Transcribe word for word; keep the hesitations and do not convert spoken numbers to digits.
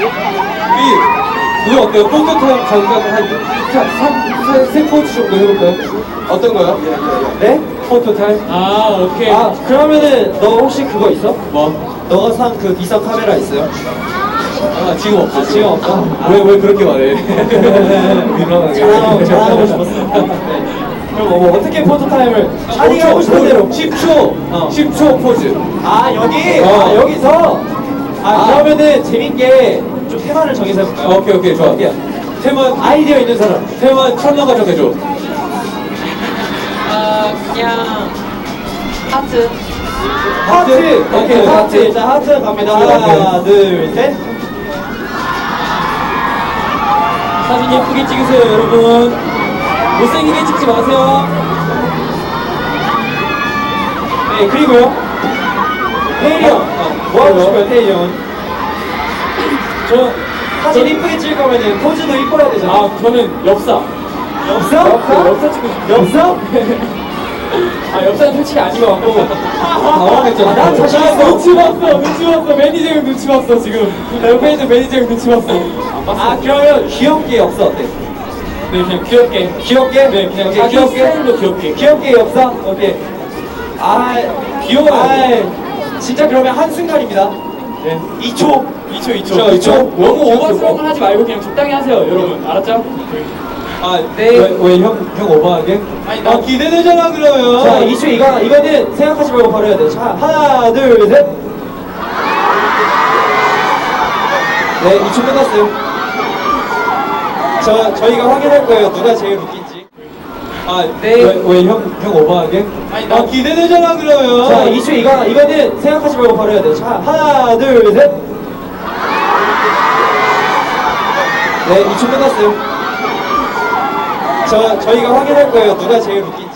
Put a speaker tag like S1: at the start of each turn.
S1: 우리 그거 어때요? 포토타임 잠깐 한세 포즈 정도 해볼까요? 어떤 거요?
S2: 네?
S1: 포토타임?
S3: 아, 오케이.
S2: 아 그러면은 너 혹시 그거 있어?
S1: 뭐?
S2: 너가 산 그 비싼 카메라 있어요?
S1: 아 지금 없어.
S2: 지금 없어?
S1: 왜 왜 그렇게 말해? 민망하게.
S2: 자랑하고 자랑하고 싶었어. 네. 그럼 뭐 어떻게 포토 타임을 아니 하고 싶은 대로
S1: 십 초
S2: 어.
S1: 십 초 포즈.
S2: 아 여기
S1: 어.
S2: 아 여기서 아,
S1: 아.
S2: 그러면은 재밌게 좀 테마를 정해서 해볼까요?
S1: 아, 오케이 오케이 좋아.
S2: 어때요?
S1: 테마
S2: 아이디어 있는 사람.
S1: 테마 천만 정해줘.
S4: 아 그냥 하트.
S2: 하트.
S1: 하트.
S2: 오케이
S1: 하트.
S2: 하트. 일단 하트 갑니다.
S1: 오케이.
S2: 하나 둘 셋.
S3: 사진 예쁘게 찍으세요, 여러분. 못생기게 찍지 마세요.
S2: 네 그리고요. 태일이 형.
S1: 어,
S2: 뭐 하고
S1: 뭐요?
S2: 싶어요 태일이 형?
S3: 저,
S2: 사진 이쁘게 찍을 거면은 포즈도 이뻐야 되잖아.
S3: 아, 저는 엽사.
S2: 엽서?
S3: 엽사? 엽사 찍고 싶어요.
S2: 엽서?
S3: 아, 엽사는 솔직히 아닌 것 같고.
S1: 당황했잖아.
S2: 아, 난 자신
S3: 나
S2: 있어.
S3: 눈치 봤어, 눈치 봤어. 매니저 형 눈치 봤어, 지금. 나 옆에 있는 매니저 형 눈치 봤어. 안 봤어.
S2: 아 그러면 귀엽게 엽서 어때?
S3: 네, 그냥 귀엽게.
S2: 귀엽게?
S3: 네, 그냥
S2: 오케이,
S3: 자기
S2: 귀엽게?
S3: 스타일로 귀엽게.
S2: 귀엽게 엽서? 오케이. 아
S3: 귀여워요.
S2: 아 진짜 그러면 한순간입니다.
S3: 네.
S2: 이 초.
S3: 이 초, 이 초.
S1: 저, 이 초?
S3: 너무 오버스러운 걸 하지 말고 그냥 적당히 하세요, 여러분. 알았죠?
S1: 아,
S2: 네.
S1: 왜왜형형 오버하게?
S3: 아니,
S1: 아
S3: 나
S1: 기대되잖아 그러면.
S2: 자, 이 초 이거 이거는 생각하지 말고 바로 해야 돼. 자, 하나, 둘, 셋. 네, 이 초 끝났어요. 저 저희가 확인할 거예요. 누가 제일 웃긴지.
S1: 아,
S2: 네.
S1: 왜왜형형 오버하게?
S3: 아니, 나
S1: 아 기대되잖아 그러면.
S2: 자, 이 초 이거 이거는 생각하지 말고 바로 해야 돼. 자, 하나, 둘, 셋. 네, 이 초 끝났어요. 저 저희가 확인할 거예요. 누가 제일 웃긴지.